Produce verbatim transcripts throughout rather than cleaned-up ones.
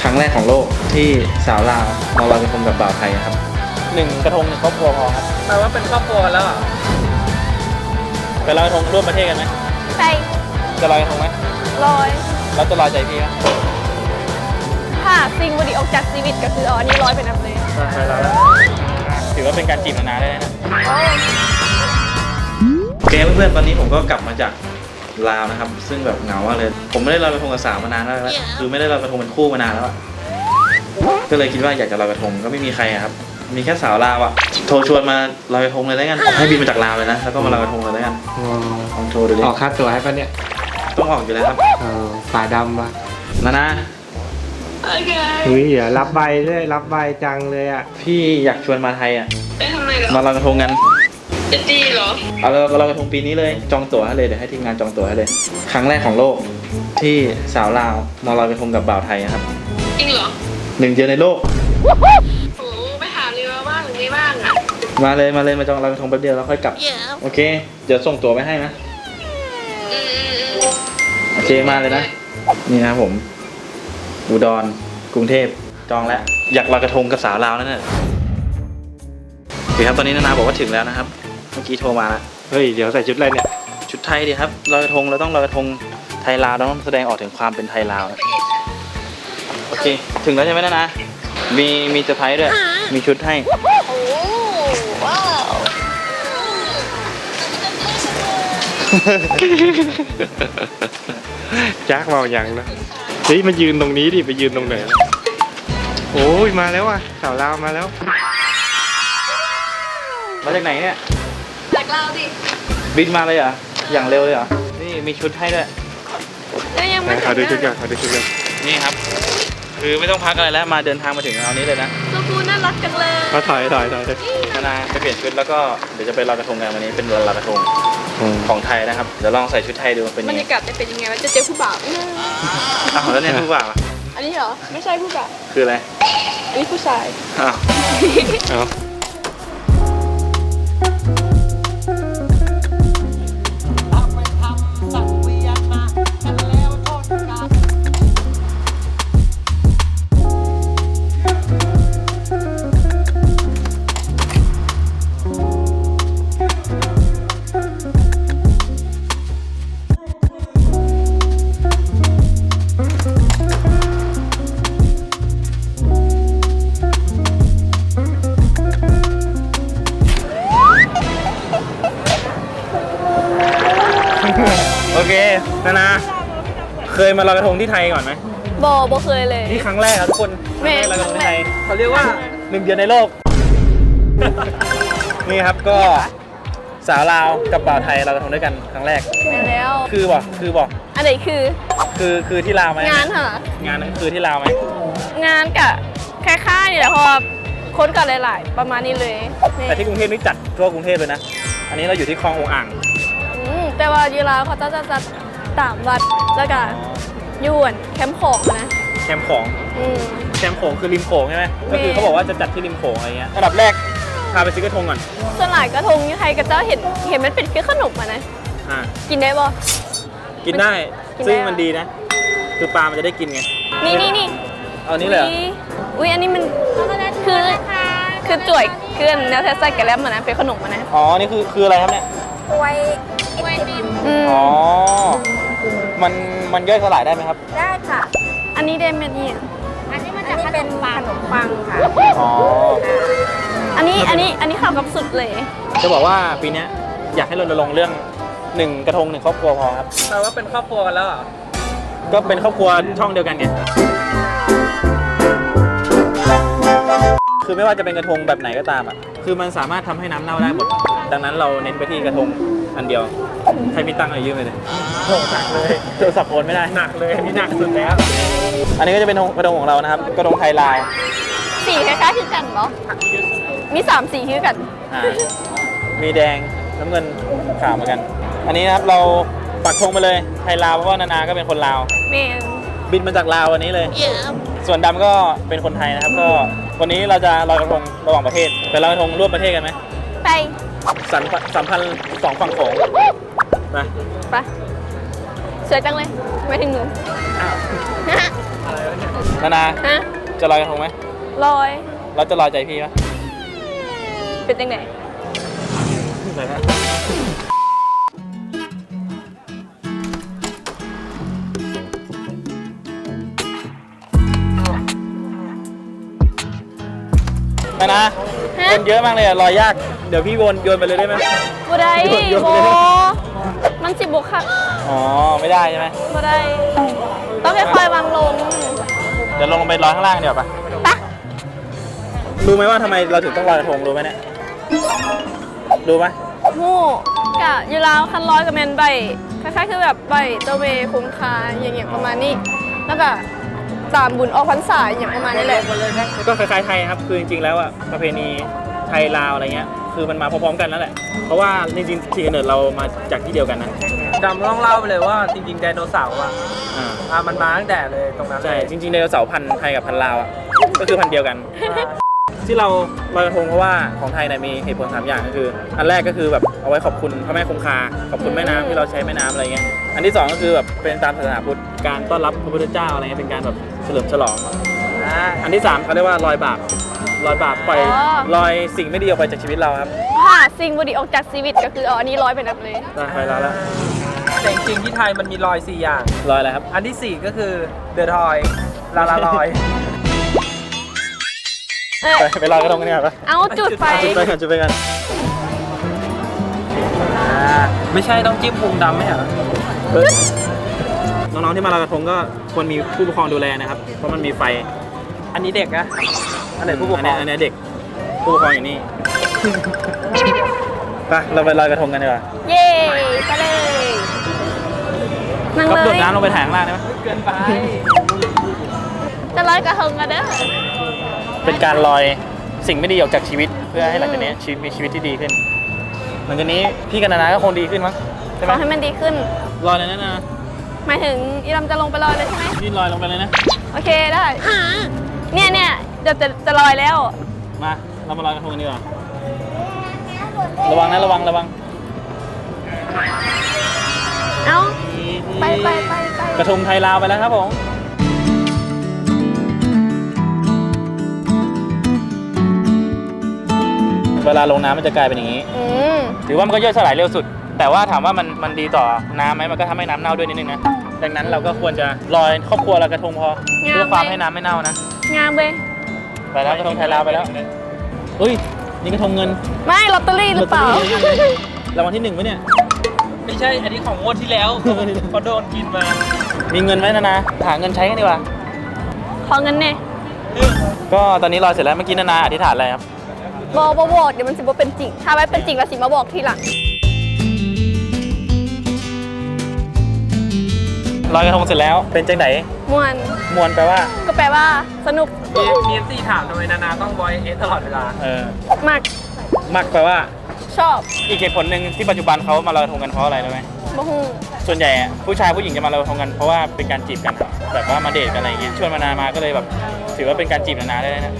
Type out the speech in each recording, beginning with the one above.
รั้งแรกของโลกที่สาวลาวมาลอยกระทงกับบ่าวไทยครับหนึ่งกระทงหนึ่งครอบครัวพอครับแปลว่าเป็นครอบครัวกันแล้วไปลอยกระทงร่วมประเทศกันไหมไปจะลอยกระทงไหมลอยแล้วจะลอยใจพี่ครับถ้าสิ่งวันดีออกจากชีวิตก็คือเอาอันนี้ลอยไปนำเลยใช่แล้วถือว่าเป็นการจีบนานๆได้นะโอเคเพื่อนๆตอนนี้ผมก็กลับมาจากลาวนะครับซึ่งแบบเหงามากเลยผมไม่ได้ลอยกระทงกับสาวมานานแล้วคือไม่ได้ลอยกระทงเป็นคู่มานานแล้วก็เลยคิดว่าอยากจะลอยกระทงก็ไม่มีใครครับมีแค่สาวลาวอ่ะโทรชวนมาลอยกระทงเลยแล้วกันให้บินมาจากลาวเลยนะแล้วก็มาลอยกระทงเลยแล้วกันลองโทรดูดิออกค่าตัวให้ปะเนี่ยต้องออกอยู่แล้วครับฝ่ายดำปะนะนะเฮ้ยอย่ารับใบด้วยรับใบจังเลยอ่ะพี่อยากชวนมาไทยอ่ะไปทำไมเหรอมาลอยกระทงกันจะดีเหรอเอาเราลอยกระทงปีนี้เลยจองตั๋วให้เลยเดี๋ยวให้ทีมงานจองตั๋วให้เลยครั้งแรกของโลกที่สาวลาวมาลอยกระทงกับบ่าวไทยครับจริงเหรอหนึ่งเดียวในโลกโอ้ไปหาเรือบ้างหรือไม่บ้างอ่ะมาเลยมาเลยมาจองลอยกระทงแป๊บเดียวแล้วค่อยกลับ yeah. โอเคเดี๋ยวส่งตั๋วไปให้นะโอเคมาเลยนะนี่นะครับผมอุดรกรุงเทพจองแล้วอยากลอยกระทงกับสาวลาวนั่นแหละโอเคครับตอนนี้นานาบอกว่าถึงแล้วนะครับเมื่อกี้โทรมาแล้วเฮ้ยเดี๋ยวใส่ชุดอะไรเนี่ยชุดไทยดิครับลอยกระทงเราต้องลอยกระทงไทยลาวต้องแสดงออกถึงความเป็นไทยลาวโอเคถึงแล้วใช่ไหมนานามีมีเซอร์ไพรส์ด้วยมีชุดให้โอ้ว้าวจักเมาอย่างนะเฮ้ยมายืนตรงนี้ดิไปยืนตรงไหนโอ้ยมาแล้วอ่ะสาวลาวมาแล้วมาจากไหนเนี่ยจากลาวดิบินมาเลยเหรออย่างเร็วเลยเหรอนี่มีชุดให้ด้วยแล้วยังไม่ขอดูชุดกันขอดูชุดกันนี่ครับคือไม่ต้องพักอะไรแล้วมาเดินทางมาถึงเอานี้เลยนะตัวกูน่ารักจังเลยมาถอยถอยถอยนานาไปเปลี่ยนชุดแล้วก็เดี๋ยวจะไปลอยกระทงกันวันนี้เป็นวันลอยกระทงของไทยนะครับเดี๋ยวลองใส่ชุดไทยดูเป็นยังไงบรรยากาศจะเป็นยังไงว่าจะเจอผู้บ่าวอ้าวแล้วเนี่ยผู้บ่าวอันนี้เหรอไม่ใช่ผู้บ่าวคืออะไรอันนี้ผู้ชายอ้าวอ้าวโอเคนานาเคยมาลอยกระทงที่ไทยก่อนไหมบอบอเคยเลยนี่ครั้งแรกครับทุกคนแม่ลอยกระทงที่ไทยเขาเรียกว่าหนึ่งเดียวในโลกนี่ครับก็สาวลาวกับบ่าวไทยลอยกระทงด้วยกันครั้งแรกแล้วคือบอกคือบอกอันไหนคือคือคือที่ลาวไหมงานเหรองานนั้นคือที่ลาวไหมงานกะคล้ายๆนี่แหละเพราะว่าคนกันหลายๆประมาณนี้เลยแต่ที่กรุงเทพนี่จัดทั่วกรุงเทพเลยนะอันนี้เราอยู่ที่คลององอ่างแต่ว่ายีราเขาจะจะจะตามวัดแล้วก็ยวนแคมป์ของนะแคมป์ของแคมป์ของคือริมโขงใช่ไหมก็คือเขาบอกว่าจะจัดที่ริมโขงอะไรเงี้ยอันดับแรกพาไปซื้อกระทงก่อนส่วนหลายกระทงที่ไทยก็จะเห็นเห็นมันเป็นคือขนมอ่ะนะกินได้บ่กินได้ซึ่งมันดีนะคือปลามันจะได้กินไงนี่นี่นี่เอานี้เลยอุ้ยอันนี้มันคือคือจ่วยเกลือนแนวเทสไซกันแล้วมันนะเป็นขนมมันนะอ๋อนี่คือคืออะไรครับเนี่ยกล้วยกล้วยดิมอ๋อมันมันย่อยสลายได้ไหมครับได้ค่ะอันนี้เดมเมนี่อันนี้มันจะเป็นขนมปังค่ะอ๋ออันนี้อันนี้อันนี้เข้ากับสุดเลยจะบอกว่าปีนี้อยากให้รณรงค์เรื่องหนึ่งกระทงหนึ่งครอบครัวพอครับแปลว่าเป็นครอบครัวกันแล้วอ่ะก็เป็นครอบครัวช่องเดียวกันไงคือไม่ว่าจะเป็นกระทงแบบไหนก็ตามอ่ะคือมันสามารถทำให้น้ำเน่าได้หมดดังนั้นเราเน้นไปที่กระทงอันเดียวใช้มีตังค์อะไรยืมไปเลยโหหนักเลยโทรศัพท์โอนไม่ได้หนักเลยนี่หนักสุดแล้วอันนี้ก็จะเป็นกระทงของเรานะครับกระทงไทยลาวสีคล้ายๆคือกันเหรอมีสามสีคือกันมีแดงน้ำเงินขาวเหมือนกันอันนี้นะครับเราปักธงไปเลยไทยลาวเพราะว่านานาก็เป็นคนลาวบินมาจากลาววันนี้เลย yeah. ส่วนดำก็เป็นคนไทยนะครับก็วันนี้เราจะลอยกระทงระหว่างประเทศไปลอยกระทงร่วมประเทศกันไหมไปสัมสัมพันธ์สองฝั่งโขงไปไปสวยจังเลยไม่ถึงหนูนานาฮะจะลอยกระทงไหมลอยเราจะลอยใจพี่ไหมเป็นยังไงไหนฮะนานาฮะคนเยอะมากเลยอะลอยยาก เดี๋ยวพี่โยนโยนไปเลยได้ไหมบ่ได้โยนโยนโบไปเลยมันสิบุกค่ะอ๋อ ไม่ได้ใช่ไหมบ่ได้ ต้องค่อยๆวางลงเดี๋ยวลงไปลอยข้างล่างเดี๋ยวปะปะรู้ไหมว่าทำไมเราถึงต้องลอยกระทงรู้ไหมเนี่ย รู้ไหมหมู่กะอยู่ลาวคันร้อยกับแมนใบคล้ายๆคือแบบใบเจ้าเวคุ้มค่าอย่างเงี้ยประมาณนี้ แล้วก็ตามบุญออกพรรษาอย่างประมาณนี้แหละก็คล้ายๆไทยครับ คือจริงๆแล้วอ่ะประเพณีไทยลาวอะไรเงี้ย คือมันมาพร้อมๆกันนั่นแหละ เพราะว่าจริงๆที่กำเนิดเรามาจากที่เดียวกันนะดำต้องเล่าไปเลยว่าจริงๆไดโนเสาร์อ่ะอ่าอ่ะมันมาตั้งแต่เลยตรงนั้นเลใช่ยจริงๆไดโนเสาร์พันธุ์ไทยกับพันธุ์ลาวอ่ะ ก็คือพันธุ์เดียวกัน ที่เราลอยกระทงเพราะว่าของไทยเนี่ยมีเหตุผลสามอย่างก็คือ อันแรกก็คือแบบเอาไว้ขอบคุณพระแม่คงคา ขอบคุณแม่น้ำที่เราใช้แม่น้ำอะไรเงี้ย อันที่สองก็คือแบบเป็นตามศาสนาพุทธ การต้อนรับพระพุทธเจ้าอะไรเงี้ยเป็นการแบบเฉลิมฉลองอ่าอันที่สามเขาเรียกว่าลอยบาปลอยบาปปล่อยอ๋อลอยสิ่งไม่ดีออกไปจากชีวิตเราครับถ้าสิ่งบดีออกจากชีวิตก็คือเอาอันนี้ร้อยไปนับเลยได้ไปแล้วแล้วแต่จริงๆที่ไทยมันมีรอยสี่อย่างลอยอะไรครับอันที่สี่ก็คือเดอะทอยลาลาลอยเออไปไปลอยกระทงกันดีกว่าปะเอาจุดไฟจุดไปกันจุดไปกันอ่าไม่ใช่ต้องจิ้มพุงดำไหมเหรอเฮ้ยน้องๆที่มาลอยกระทงก็ควรมีผู้ปกครองดูแลนะครับ เพราะมันมีไฟอันนี้เด็กนะอันไหนผู้ปกอันครนี้องอันนี้เด็ก ผู้ปกครองอยู่นี่ ไปเราไปลอยกระทงกันดีกว่าเย้ไปเลยนั่งก็เลโดดยน้ำลงไปถ่ายข้างล่างได้ไหมเกินไปจะร้อยกระทงกันเด้อเป็นการลอยสิ่งไม่ดีออกจากชีวิต เพื่อให้หลังจากนี้ชีวิตมีชีวิตที่ดีขึ้น หลังจากนี้พี่กับนานาก็คงดีขึ้นมั้งใช่ขไหมอให้มันดีขึ้นลอยเลยนะนาหมายถึงอีลำจะลงไปลอยเลยใช่ไหมนี่ลอยลงไปเลยนะโอเคได้ เนี่ยเนี่ยจะจะจะลอยแล้วมาเรามาลอยกระทงกันดีกว่า ระวังนะระวังระวังเอ้า ไปไปไปไปกระทงไทยลาวไปแล้วครับผม เวลาลงน้ำมันจะกลายเป็นอย่างนี้อืมถือว่ามันก็ย่อยสลายเร็วสุด แต่ว่าถามว่ามันมันดีต่อน้ำไหมมันก็ทำให้น้ำเน่าด้วยนิดนึงนะ ดังนั้นเราก็ควรจะลอยครอบครัวละกระทงพอ เพื่อความให้น้ำไม่เน่านะงามเว้ยไปแล้วกระทงไทยลาวไปแล้วเฮ้ย นี่กระทงเงินไม่ลอตเตอรี่หรือเปล่ารางวัลที่หนึ่งไหมเนี่ยไม่ใช่อันนี้ของงวดที่แล้วเขาโดนกินมามีเงินไหมนะนะหาเงินใช้กันดีกว่าขอเงินเนี่ยก็ตอนนี้ลอยเสร็จแล้วเมื่อกี้นานาอธิษฐานอะไรครับบอกบอกบอกเดี๋ยวมันสิบ่เป็นจริง ถ้าไว้เป็นจริงแล้วสิมาบอกทีหลังลอยกระทงเสร็จแล้ว เป็นจังไหนมวนมวนแปลว่าก็แปลว่าสนุกมีมีเอฟซีถามทำไมนานาต้องบอยเอสตลอดเวลาเออมากมักแปลว่าชอบอีกเหตุผลหนึ่งที่ปัจจุบันเขามาลอยกระทงกันเพราะอะไรรู้ไหมบ่ฮู้ส่วนใหญ่อะผู้ชายผู้หญิงจะมาลอยกระทงกันเพราะว่าเป็นการจีบกัน แบบว่ามาเดทกันอะไรอย่างเงี้ย ชวนมานามาก็เลยแบบ ถือว่าเป็นการจีบนานาได้เลยนะ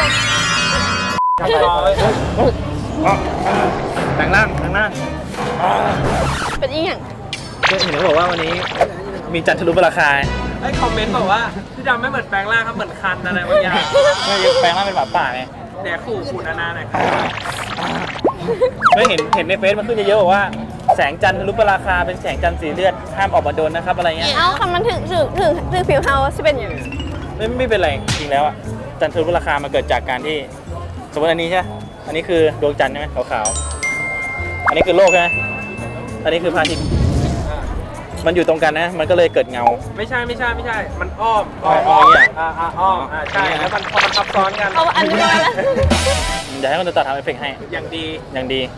แต่งร่างแต่งร่างเป็นอีหยังเพื่อนเห็นเขาบอกว่าวันนี้มีจันทรุปราคาไอ้คอมเมนต์บอกว่าพี่ดำไม่เหมือนแปลงร่างครับเหมือนคันอะไรบางอย่างไม่แปลงร่างเป็นหมาป่าไงแดกขู่ขู่นานาหน่อยครับไม่เห็นเห็นในเฟซมันขึ้นเยอะๆบอกว่าแสงจันทรุปราคาเป็นแสงจันทร์สีเลือดห้ามออกมาโดนนะครับอะไรเงี้ยเอ้าคำมันถึงถึงถึงถึงผิวเฮาสิเป็นอย่างไม่ไม่เป็นไรจริงแล้วอ่ะจันทรุปราคามันเกิดจากการที่สมมติอันนี้ใช่ไหมอันนี้คือดวงจันทร์ใช่ไหมขาวๆอันนี้คือโลกใช่ไหมอันนี้คือพระอาทิตย์มันอยู่ตรงกันนะมันก็เลยเกิดเงาไม่ใช่ไม่ใช่ไม่ใช่ มันอ้อมอ้อมอ้อมอย่างเงี้ยอ่าอ่าอ้อมอ่าใช่แล้วมันพอมันซับซ้อนกันเอาอันนี้มาแล้วเดี๋ยวให้คนตัดทำเอฟเฟกต์ให้อย่างดีอย่างดี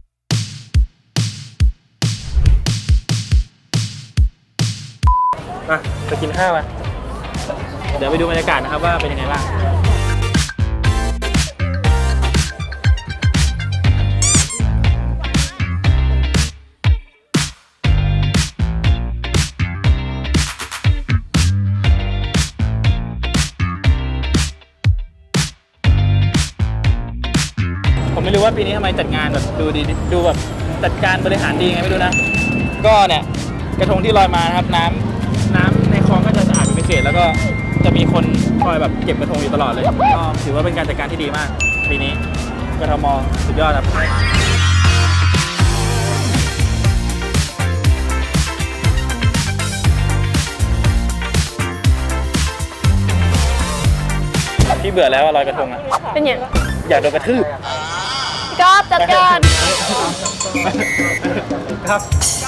อ่ะไปกินข้าวอ่ะเดี๋ยวไปดูบรรยากาศนะครับว่าเป็นยังไงบ้าง ผมไม่รู้ว่าปีนี้ทำไมจัดงานแบบดูดีดูแบบจัดการบริหารดีไงไม่รู้นะ ก็เนี่ยกระทงที่ลอยมานะครับน้ำน้ำในคลองก็จะสะอาดเป็นพิเศษแล้วก็จะมีคนคอยแบบเก็บกระทงอยู่ตลอดเลยก็ถือว่าเป็นการจัดการที่ดีมากปีนี้กทมสุดยอดครับพี่เบื่อแล้วลอยกระทงอ่ะเป็นอย่างอยากโดนกระทืบก็จัดการครับ